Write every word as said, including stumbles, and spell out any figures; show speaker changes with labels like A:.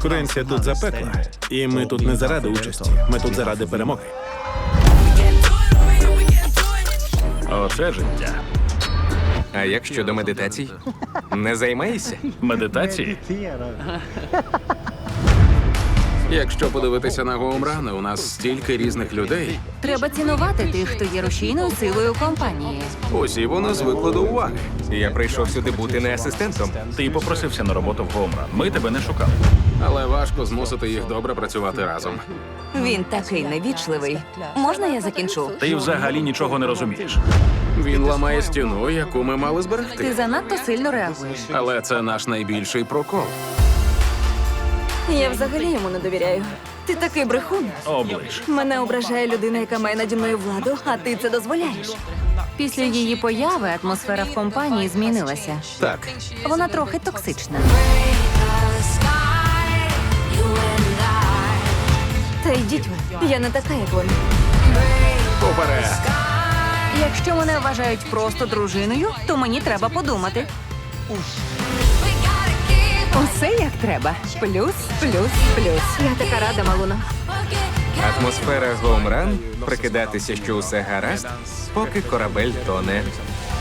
A: Конкуренція тут запекла. І ми тут не заради участі. Ми тут заради перемоги.
B: Оце життя.
C: А як щодо медитацій? Не займаєшся?
B: Медитації?
D: Якщо подивитися на Гоумрани, у нас стільки різних людей.
E: Треба цінувати тих, хто є рушійною силою компанії.
D: Усі вони звикли до уваги.
C: Я прийшов сюди бути не асистентом.
B: Ти попросився на роботу в Гоумран. Ми тебе не шукали.
D: Але важко змусити їх добре працювати разом.
E: Він такий невічливий. Можна я закінчу?
B: Ти взагалі нічого не розумієш.
D: Він ламає стіну, яку ми мали
E: Ти
D: зберегти.
E: занадто сильно реагуєш.
D: Але це наш найбільший прокол.
E: Я взагалі йому не довіряю. Ти такий брехун.
B: Оближ.
E: Мене ображає людина, яка має наді мною владу, а ти це дозволяєш. Після її появи атмосфера в компанії змінилася.
D: Так,
E: Вона трохи токсична. Та йдіть ви, я не така, як вони.
D: уперед!
E: Якщо мене вважають просто дружиною, то мені треба подумати. Усе як треба. Плюс, плюс, плюс. Я така рада, Малуно.
C: Атмосфера Гоумран, прикидатися, що усе гаразд, поки корабель тоне.